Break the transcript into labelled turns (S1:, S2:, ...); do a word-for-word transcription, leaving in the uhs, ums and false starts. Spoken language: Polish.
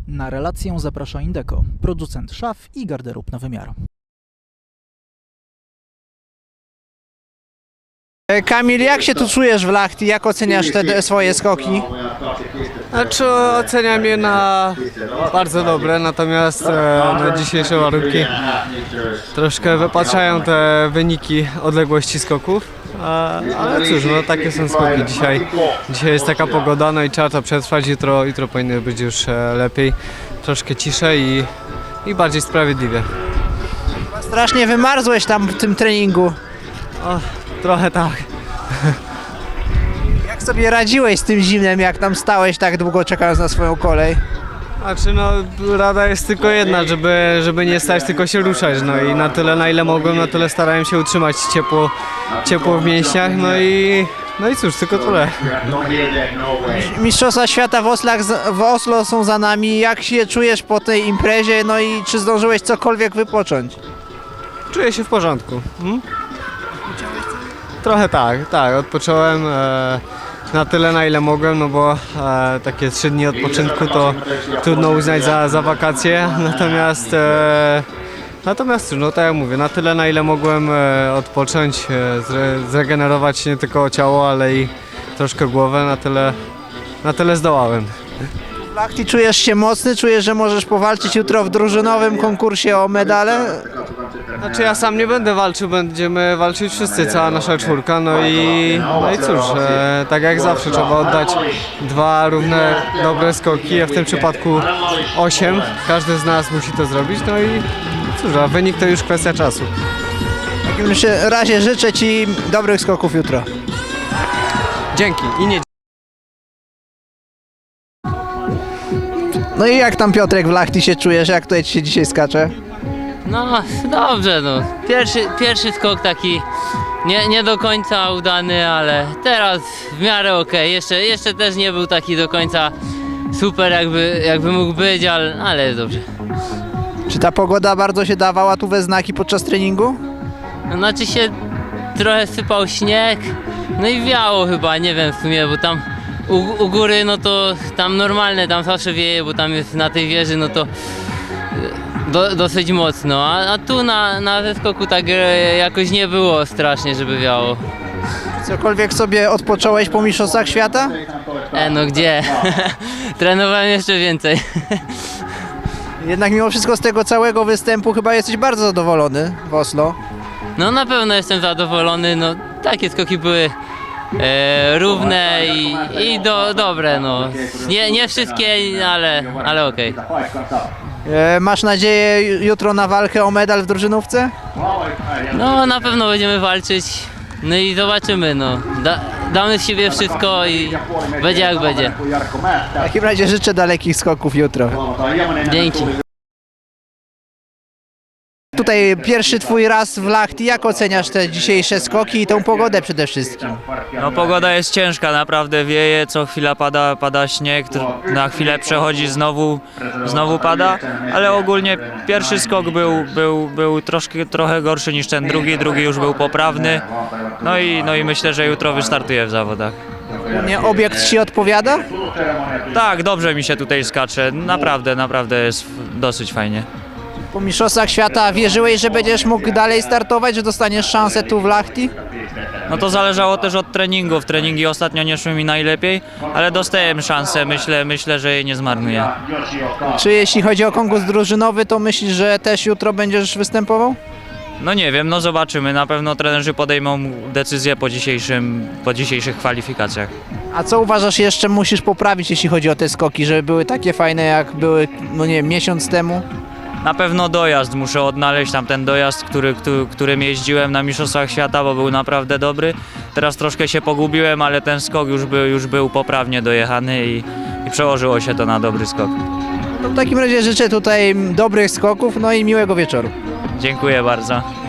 S1: Na relację zaprasza Indeco, producent szaf i garderób na wymiar.
S2: Kamil, jak się tu czujesz w Lahti? Jak oceniasz te swoje skoki?
S3: Znaczy oceniam je na bardzo dobre, natomiast e, na dzisiejsze warunki troszkę wypaczają te wyniki odległości skoków. E, ale cóż, no takie są skoki dzisiaj. Dzisiaj jest taka pogoda, no i trzeba to przetrwać. Jutro, jutro powinno być już e, lepiej, troszkę ciszej i, i bardziej sprawiedliwie.
S2: Strasznie wymarzłeś tam w tym treningu.
S3: O, trochę tak.
S2: Jak sobie radziłeś z tym zimnem, jak tam stałeś tak długo czekając na swoją kolej?
S3: Znaczy no, rada jest tylko jedna, żeby, żeby nie stać, tylko się ruszać, no i na tyle, na ile mogłem, na tyle starałem się utrzymać ciepło, ciepło w mięśniach, no i, no i cóż, tylko tyle.
S2: Mistrzostwa Świata w, Oslach, w Oslo są za nami. Jak się czujesz po tej imprezie, no i czy zdążyłeś cokolwiek wypocząć?
S3: Czuję się w porządku. Hmm? Trochę tak, tak, odpocząłem e, na tyle, na ile mogłem, no bo e, takie trzy dni odpoczynku to trudno uznać za, za wakacje, natomiast e, natomiast no tak jak mówię, na tyle, na ile mogłem e, odpocząć, e, zre, zregenerować nie tylko ciało, ale i troszkę głowę, na tyle, na tyle zdołałem.
S2: W Lahti czujesz się mocny? Czujesz, że możesz powalczyć jutro w drużynowym konkursie o medale?
S3: Znaczy ja sam nie będę walczył, będziemy walczyć wszyscy, cała nasza czwórka, no i, no i cóż, e, tak jak zawsze trzeba oddać dwa równe, dobre skoki, a w tym przypadku osiem, każdy z nas musi to zrobić, no i cóż, a wynik to już kwestia czasu.
S2: W takim razie życzę Ci dobrych skoków jutro.
S3: Dzięki i nie
S2: No i jak tam, Piotrek, w Lahti się czujesz? Jak tutaj Ci się dzisiaj skacze?
S4: No dobrze, no. Pierwszy, pierwszy skok taki nie, nie do końca udany, ale teraz w miarę okej. Jeszcze, jeszcze też nie był taki do końca super, jakby, jakby mógł być, ale, ale jest dobrze.
S2: Czy ta pogoda bardzo się dawała tu we znaki podczas treningu?
S4: No, znaczy się trochę sypał śnieg, no i wiało chyba, nie wiem w sumie, bo tam u, u góry no to tam normalne, tam zawsze wieje, bo tam jest na tej wieży, no to Do, dosyć mocno, a, a tu na, na zeskoku tak e, jakoś nie było strasznie, żeby wiało.
S2: Cokolwiek sobie odpocząłeś po Mistrzostwach Świata?
S4: E, no gdzie? Trenowałem jeszcze więcej.
S2: Jednak mimo wszystko z tego całego występu chyba jesteś bardzo zadowolony w Oslo.
S4: No na pewno jestem zadowolony, no takie skoki były e, równe i, i do, dobre, no. Nie, nie wszystkie, ale, ale okej.
S2: E, masz nadzieję jutro na walkę o medal w drużynówce?
S4: No na pewno będziemy walczyć, no i zobaczymy, no. Da, damy z siebie wszystko i będzie jak będzie.
S2: W takim razie życzę dalekich skoków jutro.
S4: Dzięki.
S2: Tutaj pierwszy twój raz w Lahti. Jak oceniasz te dzisiejsze skoki i tą pogodę przede wszystkim?
S5: No pogoda jest ciężka, naprawdę wieje, co chwila pada, pada śnieg, tr- na chwilę przechodzi, znowu, znowu pada, ale ogólnie pierwszy skok był, był, był troszkę, trochę gorszy niż ten drugi, drugi już był poprawny, no i, no i myślę, że jutro wystartuję w zawodach.
S2: Nie, obiekt ci odpowiada?
S5: Tak, dobrze mi się tutaj skacze, naprawdę, naprawdę jest dosyć fajnie.
S2: Po Mistrzostwach Świata wierzyłeś, że będziesz mógł dalej startować, że dostaniesz szansę tu w Lahti?
S5: No to zależało też od treningów, treningi ostatnio nie szły mi najlepiej, ale dostałem szansę, myślę, myślę, że jej nie zmarnuję.
S2: Czy jeśli chodzi o konkurs drużynowy, to myślisz, że też jutro będziesz występował?
S5: No nie wiem, no zobaczymy, na pewno trenerzy podejmą decyzję po dzisiejszym, po dzisiejszych kwalifikacjach.
S2: A co uważasz jeszcze musisz poprawić, jeśli chodzi o te skoki, żeby były takie fajne, jak były, no nie wiem, miesiąc temu?
S5: Na pewno dojazd, muszę odnaleźć tam ten dojazd, który, który, którym jeździłem na Mistrzostwach Świata, bo był naprawdę dobry. Teraz troszkę się pogubiłem, ale ten skok już był, już był poprawnie dojechany i, i przełożyło się to na dobry skok.
S2: No w takim razie życzę tutaj dobrych skoków, no i miłego wieczoru.
S5: Dziękuję bardzo.